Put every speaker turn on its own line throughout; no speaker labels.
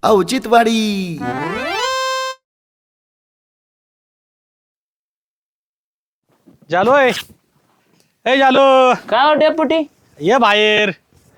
औचित्यवाडी.
जालोय ए जालो
काय हो डेपुटी?
ये बाहेर.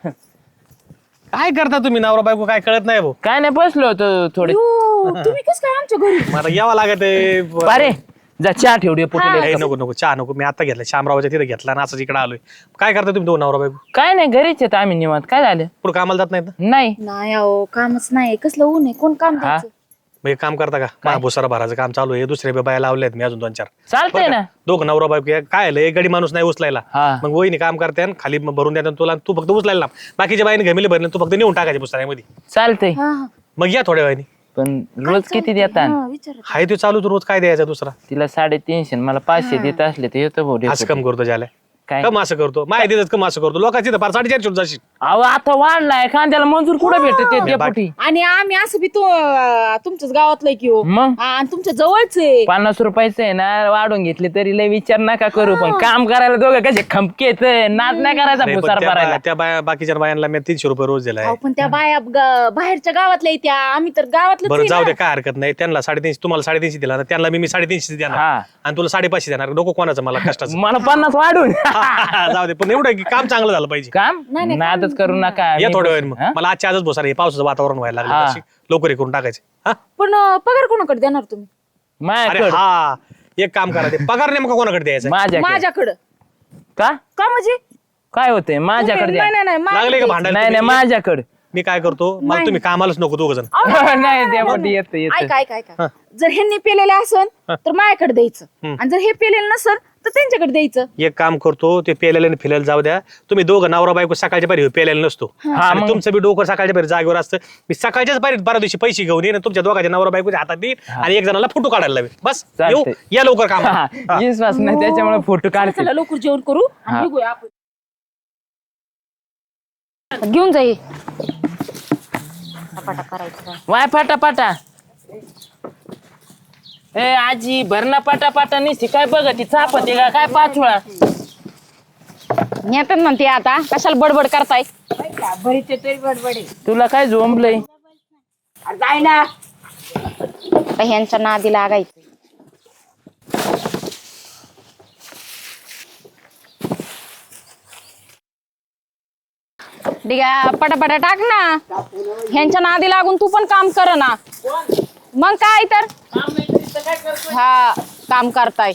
काय करता तुम्ही नवरा बायको काय कळत नाही भाऊ.
काय नाही बसलो होतो थोडे.
तुम्ही कस काय आमच्या घरी?
मला यावं लागत
अरे जा चहा ठेव डेपुटी.
नको नको चहा नको. मी आता घेतला शामरावच्या तिथे घेतला ना असं इकडे आलोय. काय करता तुम्ही दोन नवरा बायको?
काय नाही घरीच येत आम्ही निवांत. काय झालं?
पुढे कामाला जात नाहीत ना?
नाही
नाही अहो कामच नाही. कसलं ऊन आहे, कोण काम द्यायचं?
मग एक काम करता का? महाभुसारा भराचं काम चालू आहे. दुसरे बाया लावलेत मी अजून 2-4.
चालतंय ना.
दोघं नवरा बायको काय आलं एक गडी माणूस नाही उचलायला.
हा.
मग वहिनी काम करते आणि खाली भरून द्या तुला. तू फक्त उचलायला ना. बाकीच्या बाईने घमेले भरले तू फक्त नेऊन टाकायचे पुस्तकामध्ये.
चालतंय
हा हा
मग या थोड्या वेळाने.
पण रोज किती देतात?
हा, विचारा.
हाय ते चालू तू रोज काय द्यायचा दुसरा?
तिला 350 मला 500 देत असले तर येतो भाऊ
असं
डेपुटी.
कम करतो ज्याला
काय
कम असं करतो माहिती देतात कम असं करतो लोकांची तर फार 450 जाशील.
अहो आता वाढलाय कांद्याला मंजूर कुठे भेटते डेपुटी?
आणि आम्ही असं बी तुमच्याच गावातलं की हो.
मग
हा, आणि तुमच्या जवळच आहे.
50 रुपयाचं आहे ना वाढून घेतले तरी लय विचार नका करू. पण काम करायला दोघं कसे खमकेत नाद नाही करायचा
अरे, पण
भुसार भरायला.
त्या बाया बाकीच्या बायांना मी 300 रुपये रोज दिलाय.
अहो, पण त्या बाया बाहेरच्या गावातल्या आहेत त्या. आम्ही तर गावातलं
बरं जाऊ दे काय हरकत नाही. त्यांना 350 तुम्हाला 350 दिला ना त्यांना मी 350 देणार
हा.
आणि तुला 550 देणार. नको कोणाचं मला कष्टाचं.
मला 50 वाढून
जाऊ दे पण एवढं की काम चांगलं झालं पाहिजे.
काम नादच करू नका.
या
मी
थोड्या
बस-
वेळ मग
हा?
मला आजच्या आजच भोसार हे पावसाचं वातावरण व्हायला
हा.
लागलं लवकर हे करून टाकायचे. हा
पण पगार कोणाकडे देणार तुम्ही?
अरे
माझ्याकडं
हा एक काम करा ते पगार नेमका कोणाकडे द्यायचा?
माझ्याकडे
माझ्याकडं.
का
का म्हणजे?
काय होतंय माझ्याकडे द्या.
नाही नाही नाही
लागले का
माझ्याकडे.
भांडायला
नाही नाही
तुम्ही?
माझ्याकडे.
मी काय करतो मला तुम्ही कामालाच नको दोघ जण.
नाही डेपुटी येत येत.
ऐका ऐका ऐका. जर ह्यांनी पेलेले असन तर माझ्याकडे द्यायचं आणि जर हे पेलेलं नसन तर त्यांच्याकडे द्यायचं.
एक काम करतो ते पेल्याला फिरायला जाऊ द्या. तुम्ही दोघं नवरा बायको सकाळच्या पारी पेल्याला नसतो आणि
मग.
तुमचं बी डोकं सकाळच्या पारी जागेवर असतं. मी सकाळच्याच पारी बारा दिवशी पैसे घेऊन येईन तुमच्या दोघांच्या नवरा बायकोच्या हातात देईन आणि एक जणाला फोटो काढायला लावेल. बस येऊ
चालतंय.
या लवकर काम.
विश्वास नाही त्याच्यामुळे फोटो
चला
काढते.
लवकर जेवण करू आणि
हा.
निघूया आपण. घेऊन जाई करायचं.
वाय पाटा पाटा. ए आजी भरणा पाटा पाटा निसती काय बघ ती चापते का काय 5 वेळा.
नेतात म्हणते आता कशाला बडबड करताय?
तुला काय झोंबलंय?
ह्यांच्या नादी लागायचं. ठीक आहे पटापटा टाक ना. ह्यांच्या नादी लागून तू पण काम कर ना. मग काय तर हा काम करताय.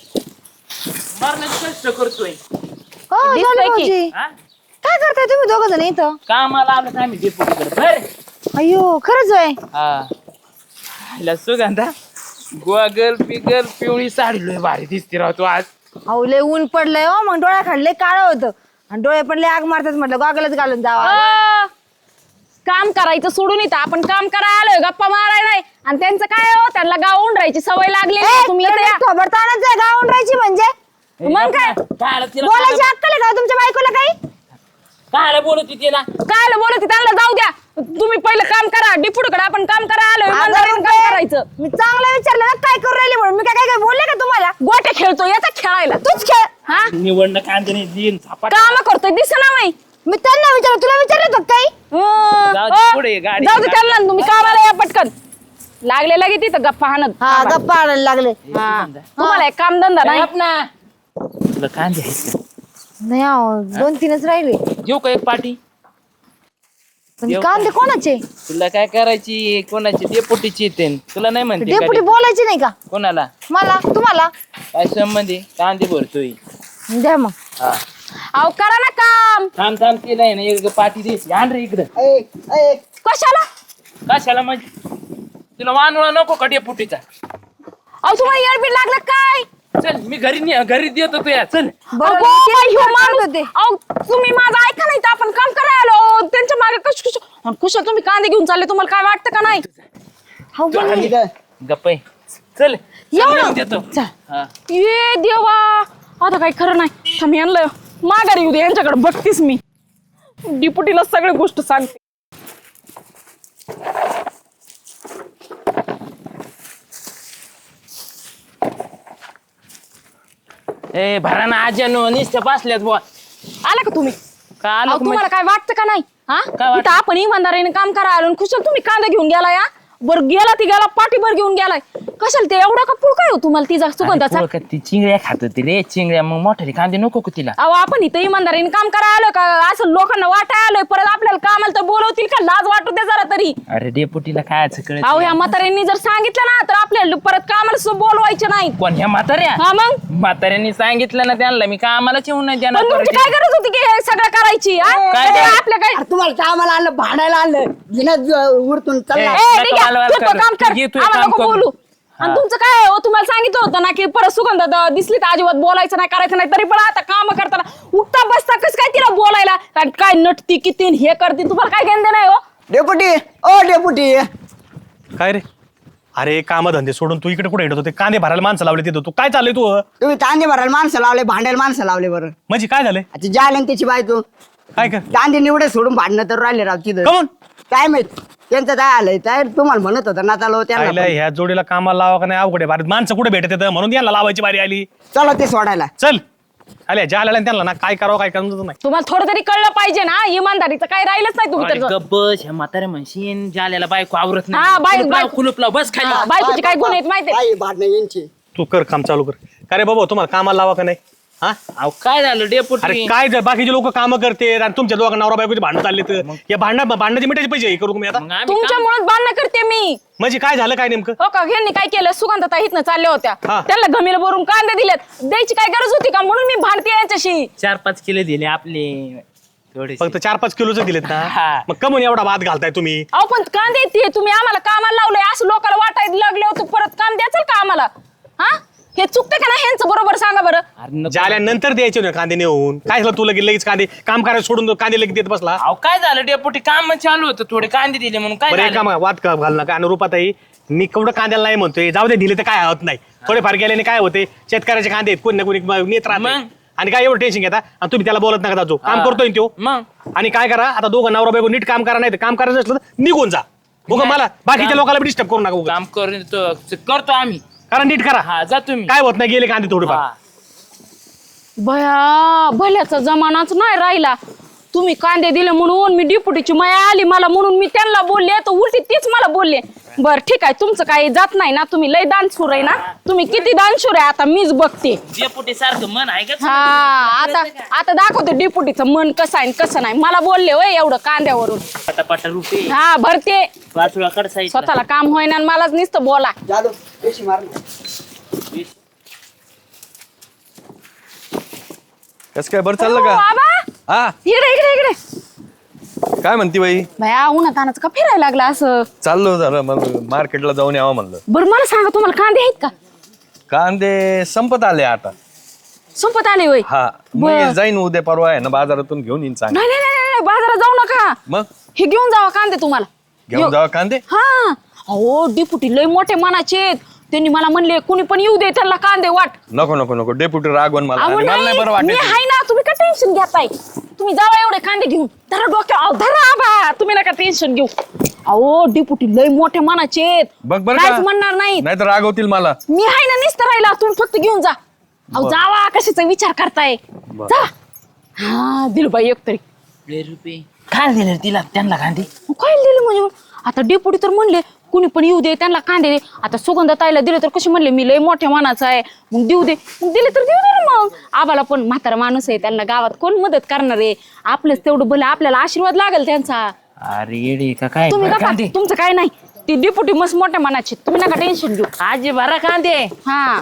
कष्ट करतोय.
दिसतंय की.
हा?
काय करताय तुम्ही दोघ जण इथं?
कामाला आलं आम्ही डेपुटीकडे बर.
अयो खरंच आहे.
हा हिला सुगंधा गोगल पिगल पिवळी साडी लय भारी दिसते राव तू आज.
अहो लय ऊन पडलंय हो मग डोळ्या खाल्ले काळं होतं आणि डोळे पण लय आग मारतात म्हटलं गॉगलच घालून जावा.
काम करायचं सोडून येतं आपण काम करायला आलोय गप्पा मारायला नाही. आणि त्यांचं काय हो त्यांना गावून राहायची सवय लागली तुम्ही इथं या.
खबरतानच आहे गावून राहायची म्हणजे
मग काय
बोलायची अक्कल आहे का तुमच्या बायकोला काही?
काय बोलत तिला?
काय बोलत त्यांना जाऊ द्या. तुम्ही पहिलं काम करा. डिपुडकडे आपण काम करायला आलोय.
अगं
इमानदारीने
रुपये,
काम करायचं.
मी चांगलं विचारलं ना काय करू राहिली म्हणून मी काय काय बोलले का तुम्हाला?
गोटे खेळतो याचा खेळायला
तूच खेळ.
हा
निवडणं कांदे दिन झपाट.
काम करतोय दिसना नाही.
मी त्यांना विचारलं तुला विचारलं होतं काही?
जाऊ दे,
हो.
पुढे गाडी.
जाऊ दे त्यांना तुम्ही कामाला या पटकन. लागले लगे तिथं गप्पा हाणत.
हा गप्पा आणायला लागले.
हा. तुम्हाला एक काम धंदा नाही.
तुला कांदे आहेत का?
नाही अहो 2-3च राहिले.
घेऊ का एक पाठी?
पण
येऊ
कांदे कोणाचे?
तुला काय करायची कोणाची डेपुटीची येते तुला नाही म्हणते का
डेपुटी बोलायचे नाही का
कोणाला?
मला तुम्हाला?
काय संबंधी कांदे भरतोय.
द्या मग.
हा
अहो करा ना काम.
थांब थांब ते नाही ना एक पाठी दे आण रे इकडं.
कशाला?
कशाला म्हणजे तुला वानवळा नको का डेपुटीचा?
अहो तुम्हाला येडबीड लागलं काय?
चल मी घरी देतो तुया चल.
बरं,
अगो,
मी
बाई, ह्यो
तेच
माणूस-
करत होते.
अहो, तुम्ही माझं ऐका नाही तर आपण काम करायला आलो. त्यांच्या मागे कुशल तुम्ही कांदे घेऊन चालले. तुम्हाला काय वाटतं का नाही?
हो पण
गप्पे चल
एवढं?
नेऊन देतो. हा.
ये देवा आता काही खरं नाही. थांब आणलं माघारी येऊ दे यांच्याकडे बघतीस मी. डिपुटीला सगळी गोष्ट सांगते.
ए भराना आज्यानो नुसत्या बसल्यात बुवा.
आला का तुम्ही?
का आलो
अहो,
का
तुम्हाला काय वाटतं का नाही? हा
काय वाटतं?
इथं आपण इमानदारीने काम करायला आलो. कुशल तुम्ही कांदा घेऊन गेला या बरं गेला ती गेला पाठीभर घेऊन गेलाय कशाला ते एवढा का पुळ काय हो तुम्हाला तिचा सुगंधाचा
अरे पोरं ती चिंगड्या खात होती रे चिंगड्या मग मोठ्याने कांदे नको का तिला
अहो आपण इथं इमानदारीने काम करायला आलोय का असं लोकांना वाटाय आलोय परत आपल्याला कामाला तर बोलवतील का लाज वाटू दे जरा तरी
अरे डेपुटीला खायचं कळत
अहो ह्या म्हाताऱ्यांनी जर सांगितलं ना तर आपल्याला परत कामाला सुद्धा बोलवायचे नाही
कोण ह्या म्हाताऱ्या
हा मग
म्हाताऱ्यांनी सांगितलं ना त्यांना मी कामालाच येऊन नाही
पण
देणार
तुमची काय गरज होती की हे सगळं करायची हा?
काय
हे
गरज?
आपल्या काय
अरे तुम्हाला कामाला आणलं भांडायला आणलं जिना उरतून चालला
ए,
ए, ठीक आहे.
नका
तू तो काम कर
घे तू
आम्हाला
काम
नको
कर.
बोलू आणि
हा.
तुमचं काय आहे हो तुम्हाला सांगितलं होतं ना की परत सुगंध दिसली तर अजिबात बोलायचं नाही करायचं नाही तरी पण आता काम करताना उठता बसता कस काय तिला बोलायला आणि काय नटती किती आणि हे करते तुम्हाला काय घेणं नाही हो
डेपुटी ओ डेपुटी
काय रे अरे कामधंदे सोडून तू इकडे कुठे येत होते कांदे भरायला माणसं लावले तिथं तू काय चाललंय तू
तुम्ही कांदे भरायला माणसं लावले भांडायला माणसं लावले बरं
म्हणजे काय झालंय
आता जायला आणि त्याची बायको
काय कर
कांदे निवडे सोडून भांडणं तर राहिले राव तिथं
कमून
काय माहित त्यांचं काय आलंय काय तुम्हाला म्हणत होता ना चालव त्यांना
आईला ह्या जोडीला कामाला लावा का नाही अवघड आहे भारत माणसं कुठे भेटत येतं म्हणून यांना लावायची बारी आली
चला ते सोडायला
चल आल्या ज्या आल्या त्यांना ना काय करावं काय करायचं नाही
तुम्हाला थोडं तरी कळलं पाहिजे ना इमानदारीचं काय राहिलंच नाही तुम्ही तर
गब्बस ह्या म्हाताऱ्या म्हणशीन जाल्याला बायको आवरत
हा,
नाही
बाय-
कुलूप लाव बस खाली
हा, बायकोचे काय गुण आहेत माहितीये
काय भांडणं यांची
तू कर काम चालू कर का रे बाबा तुम्हाला कामाला लावा का नाही हा
अहो काय झालं
अरे
डेपुटी
काय बाकीचे लोक कामं करते आणि तुमच्या दोघं नवरा बायकोचे भांडण चालले तर या भांडणाचे मिठाचे पैसे हे करू का मी आता
मग आम्ही
तुमच्यामुळे भांडणं करते मी
म्हणजे काय झालं काय नेमकं
हो का ह्यांनी काय केलं सुगंधता इथनं चालल्या होत्या
हा.
त्यांना घमीला भरून कांदे दिलेत द्यायची काय गरज होती का म्हणून मी भांडते यांच्याशी
4-5 किलो दिले आपले थोडे
फक्त 4-5 किलोच दिलेत ना
हा.
मग कमून एवढा भात घालताय तुम्ही
अहो पण कांदे ते तुम्ही आम्हाला कामाला लावलंय असं लोकांना वाटायला लागले होते परत काम द्यायचं का आम्हाला हा हे चुकते का नाही ह्यांचं बरोबर सांगा बरं
ज्याल्यानंतर द्यायचे ना कांदे नेऊन काय झालं तुला लगेच कांदे काम करायला सोडून कांदे लगेच देत बसला
अहो काय झालं डेपुटी काम चालू होतं थोडे कांदे दिले म्हणून काय
बरं एक
झालं?
काम वाद घाल नका अनुरूपाताई मी केवढं कांद्याला नाही म्हणतोय जाऊ दे दिले तर काय होत नाही थोडेफार गेल्याने काय होते शेतकऱ्याचे कांदे आहेत कोणी ना कोणी नेत राहते
मग?
आणि काय एवढं टेन्शन घेता आणि तुम्ही त्याला बोलत नका जाऊ काम करतोय ना तो
मग
आणि काय करा आता दोघं नवरा बायको नीट काम करा नाही तर काम करायचं असलं तर निघून जा बघा मला बाकीच्या
काम-
लोकांना डिस्टर्ब करू नका उगाच.
काम करतो आम्ही
कारण नीट करा
हा जा तुम्ही
काय होत नाही गेले कांदे थोडेफार
हा.
भया भल्याचा जमानाच नाही राहिला तुम्ही कांदे दिले म्हणून मी डिपुटीची माया आली मला म्हणून मी त्यांना बोलले तर उलटी तीच मला बोलले बर ठीक आहे तुमचं काही जात नाही ना तुम्ही लय दानशूर आहे ना तुम्ही किती दानशूर आहे आता मीच बघते
डेपुटी सारखं मन आहे का
हा आता आता दाखवते डिपुटीचं मन कसं आहे आणि कसं नाही मला बोलले होय एवढं कांद्यावरून
पटापटा रुपये
हा भरते
वाचूला कडसाई
स्वतःला काम होईना आणि मलाच नुसतं बोला
जादू पेशी मार
कस काय बरं चाललं
हो,
का
बाबा
हा
इकडे इकडे इकडे
काय म्हणती बाई
भया उन्हातानाचं का फिरायला लागला असं
चाललो जरा मग मार्केटला जाऊन यावं म्हणलं
बरं मला सांगा तुम्हाला कांदे आहेत का
कांदे संपत आले आता
संपत आले होय
हा
बरं.
मी जाईन उद्या परवा आहे ना बाजारातून घेऊन येईन सांग
नाही नाही नाही नाही, बाजारात जाऊ नका
मग
हे घेऊन जावा कांदे तुम्हाला
घेऊन जावा कांदे
हा अहो डिपुटी लय मोठे मनाचे आहेत. त्यांनी मला म्हणले कुणी पण येऊ दे त्यांना कांदे वाट
नको नको नको डेप्युटी रागवण मला
अहो
आणि मला नाही बरं
नाही, मी
वाटत
आहे ना तुम्ही का टेन्शन घेताय तुम्ही जावा एवढे कांदे घेऊन धरा डोक्या अहो, धरा आबा तुम्ही नका टेन्शन घेऊ अहो डिपुटी लय मोठे मनाचे आहेत.
बघ बरं
काहीच
का
म्हणणार नाही
नाही तर रागवतील मला
मी आहे ना निसत राहिला तुम्ही फक्त घेऊन जा अहो जावा कशाचा विचार करताय जा हा दिल बाई एक तरी
रुपये काय दिले तिला त्यांना कांदे
काय दिलं म्हणजे आता डेपुटी तर म्हणले कुणी पण येऊ दे त्यांना कांदे दे आता सुगंधा ताईला दिले तर कशी म्हणले मी लय मोठ्या मानाचा आहे मग देऊ दे मग दिले तर देऊ दे ना मग आम्हाला पण म्हातारा माणूस आहे त्यांना गावात कोण मदत करणार आहे आपलंच तेवढं भलं आपल्याला आशीर्वाद लागेल त्यांचा
अरे येडे का काय
तुम्ही
बरं
नका
कांदे
तुमचं काय नाही ती डेपुटी मस्त मोठ्या मानाची तुम्ही नका टेन्शन घेऊ
आजी भरा कांदे
हा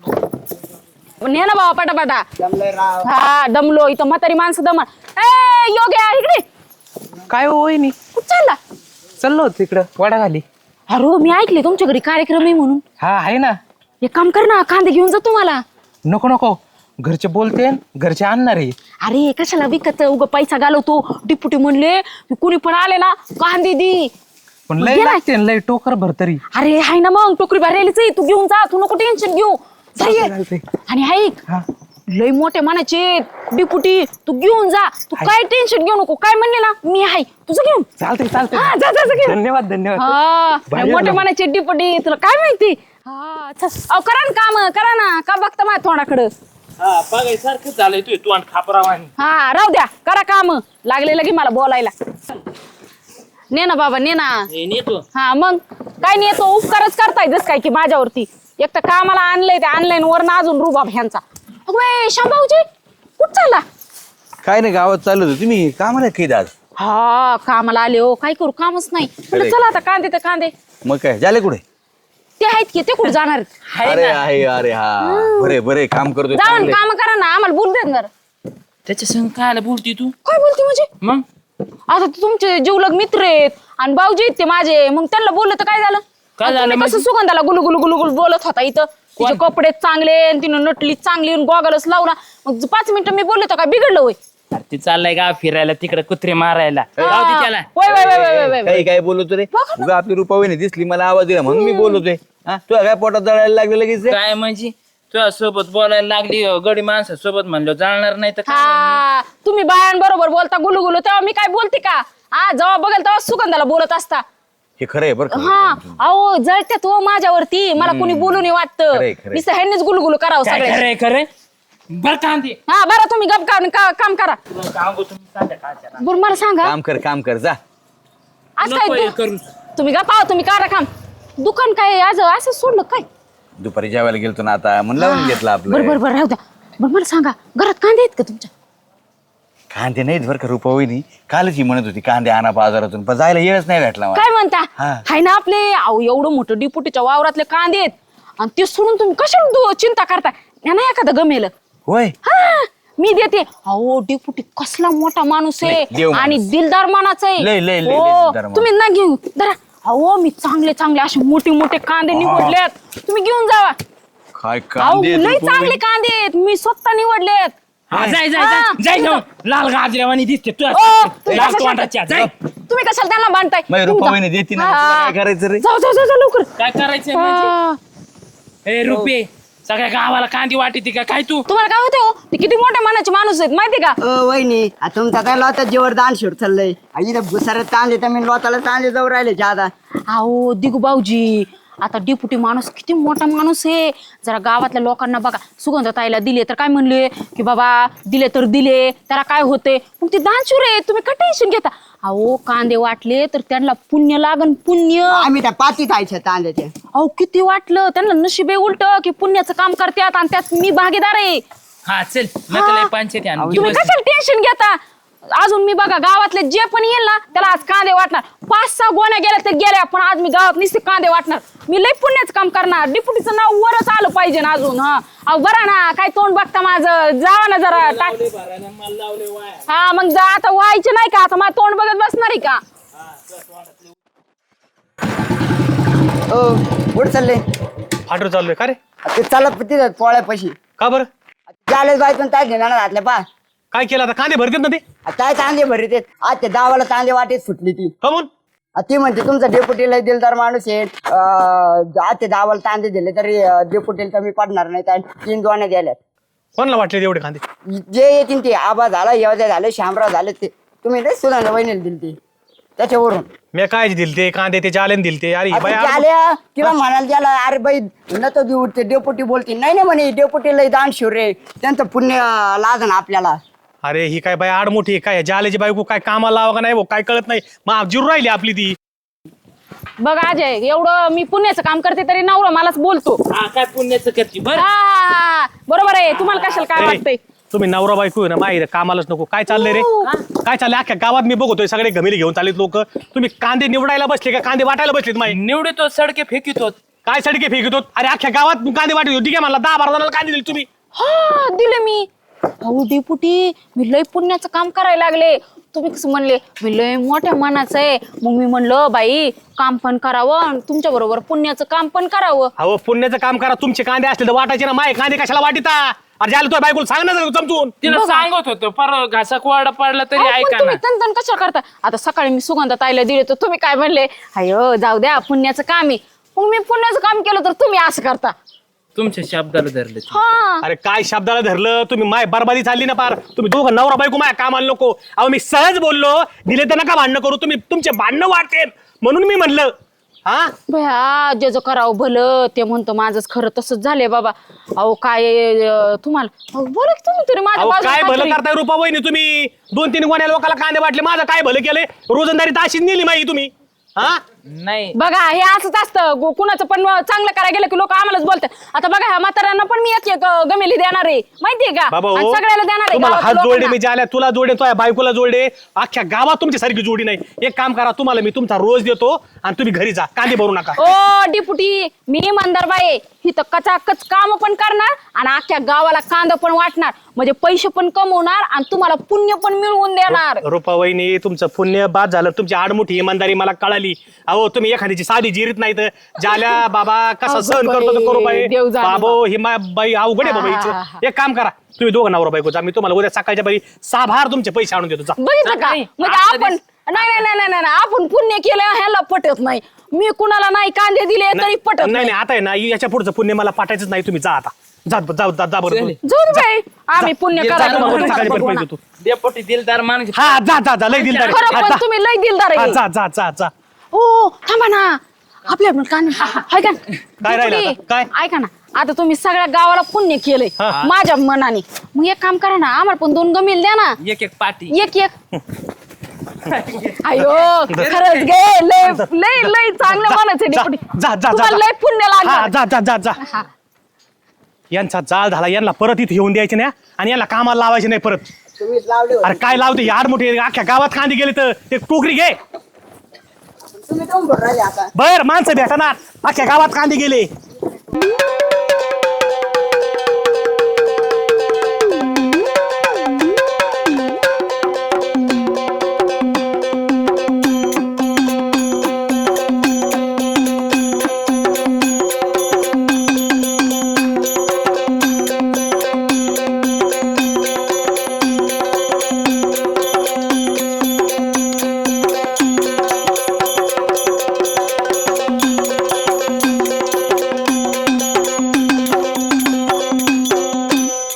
ने ना बाबा पटापटा
जमलंय राव
हा दमलो इथं म्हातारी माणसं दम ए योग्य इकडे
काय होईनी
कुठं चालला
चाललो होतो तिकडं वाडा खाली
अरे मी ऐकले तुमच्या घरी कार्यक्रम आहे म्हणून
हा आहे ना
एक काम कर ना कांदे घेऊन जा तुम्हाला
नको नको घरचे बोलते घरचे आणणार आहे
अरे कशाला विकत उग पैसा घालवतो डिपुटी म्हणले की कुणी पण आले ना कांदे दी
पण
मग
लय
गेलाय.
लागते ना, लय टोकर भर तरी
अरे हाय ना मग टोकरी भरायलीच आहे तू घेऊन जा तू नको टेन्शन घेऊ जा ये.
चालतंय.
आणि ऐक
हा.
लय मोठे मनाचे डिपुटी तू घेऊन जा तू काय टेन्शन घेऊ नको काय म्हणले ना मी आहे तुझं घेऊन
चालतंय चालतंय
हा जा जा जा घेऊन
धन्यवाद धन्यवाद
हा
बाहेर
मोठे
लाव.
मनाचे डिपुटी तुला काय माहिती हा चल. अहो करा ना काम करा ना का बघता माझ्या तोंडाकडं
हा बघाय सारखं झालंय तू तू आणि खापरावानी
हा राहू द्या करा काम लागले लगे मला बोलायला ने ना बाबा ने ना
नेतो
हा मग काय नाही तो उपकारच करताय जस काय की माझ्यावरती. एक तर कामाला आणलंय ते ऑनलाईन वर अजून रुबाब ह्यांचा. अगं शांभाऊजी कुठं चालला?
काय नाही गावात चालू होतं. तुम्ही कामाला काही आज?
हा कामाला आले हो, काय करू कामच नाही. म्हणलं चला आता कांदे तर कांदे
मग काय झाले कुठे?
ते आहेत की ते कुठे जाणार आहेत?
अरे आहे अरे हा बरे बरे काम करतोय
जाऊन
चांगले.
काम करा ना, आम्हाला बोल देत ना.
त्याच्या संग काय बोलती तू?
काय बोलते म्हणजे?
मग
आता ते तुमचे जीवलग मित्र आहेत आणि भाऊजी आहेत ते माझे, मग त्यांना बोललं तर काय झालं?
काय
आता
झालं
तुम्ही
म्हणजे?
कसं सुगंधाला गुलू गुलू गुलू गुलू बोलत होता इथं. तिचे कपडे चांगले आणि तिनं नटली चांगली गॉगलच लावला. मग 5 मिनिटं मी बोलले तर काय बिघडलं होय?
अरे ते चाललाय गाव फिरायला तिकडे कुत्रे मारायला. जाऊ दे त्याला.
वय वय वय वय वय वय.
काही काय बोलतो रे? उगा आपली रुपावहिनी दिसली मला आवाज दिला म्हणून मी बोलतोय. हा तुला काय पोटात जळायला लागलं लगेच?
काय म्हणजे तुझ्या सोबत बोलायला लागली गडी माणसा सोबत म्हणलं जाणार नाही तर काय?
हा तुम्ही बायांबरोबर बोलता गुलू गुलू, तेव्हा मी काय बोलते का? हा जेव्हा बघेल तेव्हा सुगंधाला बोलत असता.
हे खरं आहे बरं का?
हा अहो जळत्यात हो माझ्यावरती, मला कोणी बोलू नाही वाटतं.
खरंय, खरंय.
नुसतं ह्यांनीच गुलगुलू करावं
काय
सगळे.
खरंय खरंय बर कांदे
हा बरं तुम्ही गप काम करा.
तुला सांगू तुम्ही संध्याकाळच्या ना.
बरं मला सांगा
काम कर जा.
आज
नको हे
काय
करू.
तुम्ही गप आहो, तुम्ही करा काम. दुकान काय आज असं सोडलं काय?
दुपारी जेवायला गेलतो ना आता म्हणून लावून घेतलं
बरं
आपलं.
राहू द्या. बरं मला सांगा घरात कांदे आहेत का तुमच्या?
कांदे नाहीत बरं का रुपावहिनी. कालच ही म्हणत होती कांदे आणा बाजारातून पण जायला येळच नाही भेटला मला.
काय म्हणता?
हा.
हाय ना आपले अहो एवढं मोठं डिपुटीच्या वावरातले कांदे आहेत आणि ते सोडून तुम्ही कशाला चिंता करता? यांना एखादं गमेल.
होय
हा मी देते. अहो डिपुटी कसला मोठा माणूस आहे
लय देव माणूस.
आणि दिलदार मानाचा
लय, लय, लय, लय
हो,
दिलदार माणूस.
तुम्ही ना घेऊ धरा. अहो मी चांगले चांगले असे मोठे मोठे कांदे निवडलेत, तुम्ही घेऊन जावा.
काय
अहो
कांदे
लय
रुपावहिनी.
चांगले कांदे आहेत, मी स्वतः निवडलेत.
हा, जाय जाय
हा,
जाय जाय
तुम्ही
जाऊ. लाल गाजऱ्यावानी दिसते तू
ओ, तुम्ही
लाल
कशाला-
तोंडाच्या जाय.
तुम्ही कशाला त्यांना बांधताय?
माझी
तुम्ही
रुपावहिनी
जा.
देते ना
हा.
तुला काय करायचं रे?
जाऊ जाऊ जाऊ जाऊ, लवकर.
काय करायचंय म्हणजे?
हा.
ए रुपये सगळ्या गावाला कांदी वाटते का काय तू?
तुम्हाला काय होते हो? ते किती मोठ्या मनाचे माणूस आहेत माहिती का?
वहिनी आता तुमचा काय लोता जेवर दान शिवड चाललंय. इथं भुसाऱ्यात तांदे तर मी लोताला तांदे जाऊ राहिले जादा.
अहो दिगू भाऊजी आता डिपुटी माणूस किती मोठा माणूस आहे. जरा गावातल्या लोकांना बघा, सुगंधताईला दिले तर काय म्हणले की बाबा दिले तर दिले, त्याला काय होते? मग ते दानशूर आहे, तुम्ही काय टेन्शन घेता? अहो कांदे वाटले तर त्यांना पुण्य लागन पुण्य.
आम्ही त्या पातीत आयच्या तांद्याच्या.
अहो किती वाटलं त्यांना नशिबे उलट की पुण्याचं काम करतात आणि त्यात मी भागीदार आहे.
हा चल नकल पंचायत आण.
तुम्ही कशाला टेन्शन घेता? अजून मी बघा गावातले जे पण येईल ना त्याला आज कांदे वाटणार. 5-6 गोण्या गेल्या तर गेल्या, पण आज मी गावात नुसते कांदे वाटणार. मी लय पुण्याचं काम करणार. डिपुटीचं नाव वरच आलं पाहिजे ना अजून. हा अहो बरं ना, काय तोंड बघता माझं? जावा ना जरा हा मग जा. आता व्हायचे नाही का? आता माझं तोंड बघत बसणार आहे का?
कुठं चालले?
फाटर चाललोय का रे?
ते चालत तिथं पोळ्यापाशी
का बरं?
चालेल बायतून काय घेणार घातल्या पा.
काय केलं आता? कांदे भरतात ना ते.
काय तांदे भरीत आहेत. आज ते दावाला तांदे वाटेत फुटली ती.
कमून
ती म्हणते तुमचा डेपुटीला दिलदार माणूस आहे. आज ते दावाला तांदे दिले तरी डेपुटीला कमी पडणार नाही. त्या 3 दोण्या द्याल्यात.
कोणाला वाटले एवढे कांदे?
जे येतील ते आबा झाला, येवद्या झाले, शामराव झाले, ते तुम्ही नाही सुनाला वहिनीला दिली ती त्याच्यावरून.
मी काय दिल ते कांदे ते जालेन दिल ते. अरे बाई
आता आल्या किंवा म्हणाल त्याला अरे बाई न तो देऊ ते डेपुटी बोलते नाही नाही म्हणे डेपुटीला दान शिवर रे, त्यांचं पुण्य लाज ना आपल्याला.
अरे ही काय बाई आडमोठी काय जालेची बायको काय कामाला लावा का नाही भाऊ काय कळत नाही. मग जिरू राहिली आपली ती.
बघ अजय एवढं मी पुण्याचं काम करते तरी नवरा मलाच बोलतो.
हा काय पुण्याचं करते बर.
हा बरोबर आहे. तुम्हाला कशाला काय वाटतंय?
तुम्ही नवरा बायको आहे ना माहिती कामालाच नको. काय चाललंय रे? काय चाललंय? अख्ख्या गावात मी बघतोय सगळे घमेली घेऊन चाललेत लोक. तुम्ही कांदे निवडायला बसले का कांदे वाटायला बसलेत माई?
निवडतो सडके फेकितो.
काय सडके फेकतो? अरे अख्ख्या गावात कांदे वाटत होती काय? मला 10-12 जणांना कांदे दिले तुम्ही.
हा दिले मी. अहो डेपुटी मी लय पुण्याचं काम करायला लागले. तुम्ही कसं म्हणले मी लय मोठ्या मनाचं आहे. मग मी म्हणलं बाई काम पण करावं तुमच्या बरोबर पुण्याचं काम पण करावं.
अहो पुण्याचं काम करा. तुमचे कांदे असले तर वाटायचे ना. माय कांदे कशाला वाटिता? अरे झालं तो बायकोला सांग ना जरा समजून.
तिला सांगत होतो पर घासा कोरडा पडला तरी
अहो, पण
ऐका
तुम्ही
ना.
तन कशा करता? आता सकाळी मी सुगंधाताईला दिले तर तुम्ही काय म्हणले अयो जाऊ द्या पुण्याचं काम आहे. मग मी पुण्याचं काम केलं तर तुम्ही असं करता.
तुमच्या शब्दाला धरले.
हा
अरे काय शब्दाला धरलं तुम्ही? माय बरबादी चालली ना पार. तुम्ही दोघं नवरा बायको माय कामाला नको. अहो मी सहज बोललो. दिले तर नका भांडणं करू. तुम्ही तुमचे भांडणं वाटते म्हणून मी म्हणलं. हा
भया जे करावं भलं ते म्हणतो माझंच खरं तसंच झालंय बाबा. अहो काय तुम्हाला अहो, बोला की तुम्ही तरी माझ्या
अहो
बाजूला
काय भलं
काहीतरी.
करताय रुपा वहिनी तुम्ही? 2-3 गोण्या लोकांना कांदे वाटले. माझं काय भलं केलंय? रोजंदारी ताशीच नेली माही तुम्ही. हा
नाही
बघा हे असंच असतं कुणाचं पण चांगलं करायला गेलं की लोक आम्हालाच बोलतात. आता बघा ह्या म्हाताऱ्यांना पण मी एक गमेली देणार आहे माहितीये का,
बाबा
आणि
हो,
सगळ्याला देणार आहे
तुम्हाला
गावातल्या
हात जोडले
लोकांना.
मी ज्याला तुला जोडे तो बायकोला जोडे, अख्ख्या गावात तुमच्या सारखी जोडी नाही. एक काम करा, तुम्हाला मी तुमचा रोज देतो आणि तुम्ही घरी जा, कांदे भरू नका.
ओ डिपुटी मी इमानदार बाई आहे. ही तर कचाकच काम पण करणार आणि अख्ख्या गावाला कांदा पण वाटणार, म्हणजे पैसे पण कमवणार आणि तुम्हाला पुण्य पण मिळवून देणार.
रुपा वहिनी तुमचं पुण्य बाद झालं, तुमची आडमुठी इमानदारी मला कळाली. अहो तुम्ही एखाद्याची साधी जिरीत नाही तर ज्याला बाबा कसा
अगं
सहन करतो तो
बाई,
करू बाई.
देव जाणे
बाबो ही बाई अवघड आहे बाबा
हा,
हिचं.
हा, हा.
एक काम करा, तुम्ही दोघं नवरा बायको जा, मी तुम्हाला उद्या सकाळच्या बाई साभार तुमचे पैसे आणून देतो. जा.
बघितलं का,
नाही,
म्हणजे
आता
आपण नाही नाही नाही नाही आपण पुण्य केलं ह्याला पटत नाही. मी कुणाला नाही कांदे दिले तरी पटत
नाही
नाही.
नाही आता आहे ना याच्या पुढचं पुण्य मला पाठायचंच नाही. तुम्ही जा आता, जा जा जा जा बरं तुम्ही.
जाऊ दे बाई, आम्ही पुण्य
जा,
करायचं
जा,
तुम्हाला
जा,
सकाळी
बघू
पैसे
ना.
देतो.
डेपुटी दिलदार माणूस.
हा जा जा जा लय दिलदार आहे.
खरं
हा,
पण
जा.
तुम्ही लय दिलदार
हा,
आहे.
जा जा जा जा.
हो थांबा ना, आपल्या पण कांदे हाय का?
राहिलं आता?
डिपुटी,
काय?
ऐका ना, आता तुम्ही सगळ्या गावाला पुण्य केलंय
हा.
माझ्या मनाने. मग एक काम करा ना, आम्हाला पण 2 गमेल द्या ना,
एक पाटी.
एक एक. अयो खरंच गे लय लय लय चांगलं म्हणायचं
जा
डिपुटी.
जा जा जा
तुम्हाला लय पुण्य
हा,
लागलं.
जा जा जा जा.
हा.
यांचा जाळ झाला, यांना परत इथे येऊन द्यायचे नाही आणि याला कामाला लावायचे नाही परत.
तुम्हीच लावले होते.
अरे काय लावते यार, मोठे अख्ख्या गावात कांदे गेले तर ते टोकरी घे.
तुम्ही काऊन भरून राहिले आता?
बर माणसं भेटणार, अख्ख्या गावात कांदे गेले.